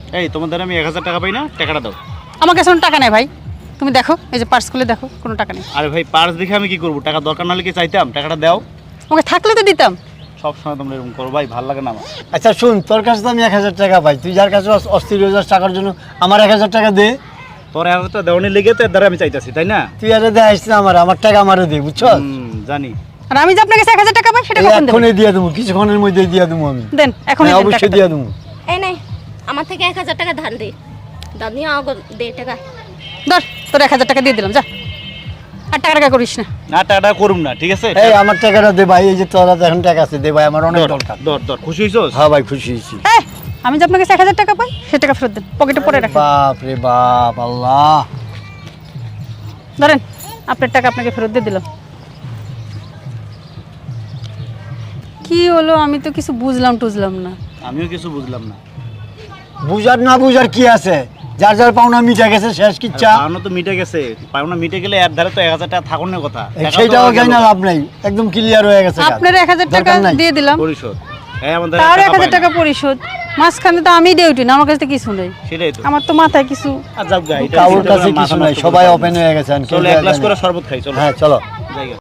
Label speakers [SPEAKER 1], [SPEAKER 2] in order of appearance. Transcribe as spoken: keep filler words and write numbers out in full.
[SPEAKER 1] এই তোমাদের আমি এক হাজার টাকা পাই না, টাকাটা দাও।
[SPEAKER 2] আমার কাছে কোনো টাকা নেই ভাই, তুমি দেখো এই যে পার্স খুলে দেখো, কোনো টাকা নেই।
[SPEAKER 1] আরে ভাই পার্স দেখে আমি কি করবো, টাকা দরকার না হলে কি চাইতাম, টাকাটা দাও।
[SPEAKER 2] ওকে থাকলে তো দিতাম।
[SPEAKER 1] সব সময় তোমরা এরকম করো ভাই, ভালো লাগে না আমার।
[SPEAKER 3] আচ্ছা শুন, তোর কাছে তো আমি এক হাজার টাকা পাই, তুই যার কাছে অস- অস্থির হাজার টাকার জন্য আমার এক হাজার টাকা দে।
[SPEAKER 1] তোর এক হাজার টাকা দেওয়ানি লেগে তো এর দ্বারা আমি চাইতাছি, তাই না?
[SPEAKER 3] তুই আরে দে আসছিস আমার, আমার টাকা আমারও দে, বুঝছ?
[SPEAKER 1] হুম, জানি।
[SPEAKER 2] আর আমি যে আপনার কাছে এক হাজার টাকা পাই সেটা কখন দেবেন?
[SPEAKER 3] এখনই দিয়ে দেবো, কিছুক্ষণের মধ্যে দিয়ে দেবো আমি।
[SPEAKER 2] দেন এখন
[SPEAKER 3] হ্যাঁ, অবশ্যই দিয়ে দেবো।
[SPEAKER 4] এই নাই আমার থেকে এক হাজার টাকা ধার দে, ধার নিয়ে আগে দে টাকা।
[SPEAKER 2] ধর তোর এক হাজার টাকা দিয়ে দিলাম, যা আর টাকা টাকা করিস না।
[SPEAKER 1] না টাকাটা করুম না, ঠিক আছে?
[SPEAKER 3] এই আমার টাকাটা দে ভাই, এই যে তোর হাতে এখন টাকা আছে, দে ভাই, আমার অনেক
[SPEAKER 1] দর
[SPEAKER 3] দরকার।
[SPEAKER 1] দর দর, খুশি হইছস?
[SPEAKER 3] হ্যাঁ ভাই, খুশি হয়েছি।
[SPEAKER 2] এই, আমি যে আপনার কাছে এক হাজার টাকা পাই সে টাকা ফেরত দেন, পকেটে পরে রাখেন।
[SPEAKER 3] বাপ রে বাপ, আল্লাহ।
[SPEAKER 2] ধরেন আপনার টাকা আপনাকে ফেরত দিয়ে দিলাম। কি হলো, আমি তো কিছু বুঝলাম টুঝলাম না।
[SPEAKER 1] আমিও কিছু বুঝলাম না।
[SPEAKER 3] বুঝার না বুঝার কি আছে, যার যার পাওনা মিটে গেছে, শেষ কিচ্ছা।
[SPEAKER 1] পাওনা তো মিটে গেছে, পাওনা মিটে গেলে এর ধারে তো এক হাজার টাকা থাকুনের কথা। টাকা তো
[SPEAKER 3] সেইটাও
[SPEAKER 1] গেল।
[SPEAKER 3] যাই না, লাভ নাই, একদম ক্লিয়ার হয়ে গেছে কাজ।
[SPEAKER 2] আপনার এক হাজার টাকা
[SPEAKER 3] দরকার নাই।
[SPEAKER 2] দিয়ে দিলাম,
[SPEAKER 1] পরিশোধ। হ্যাঁ আমাদের
[SPEAKER 2] তার এক
[SPEAKER 1] টাকা
[SPEAKER 2] হাজার
[SPEAKER 1] পাই
[SPEAKER 2] টাকা
[SPEAKER 1] না।
[SPEAKER 2] পরিশোধ। মাঝখানে তো আমি ডিউটি না, আমার কাছে তো কিছু নেই।
[SPEAKER 1] সেটাই তো।
[SPEAKER 2] আমার তো মাথায় কিছু।
[SPEAKER 1] আর যাক গা, এটা
[SPEAKER 3] কারোর
[SPEAKER 1] চিন্তা
[SPEAKER 3] কাছে
[SPEAKER 1] করে মাথা
[SPEAKER 3] কিছু নাই,
[SPEAKER 1] নষ্ট
[SPEAKER 3] সবাই
[SPEAKER 1] করতে হবে
[SPEAKER 3] ওপেন
[SPEAKER 1] না।
[SPEAKER 3] হয়ে গেছে।
[SPEAKER 1] চলো এক গ্লাস করে শরবত খাই, চলো।
[SPEAKER 3] হ্যাঁ চলো।
[SPEAKER 1] জায়গা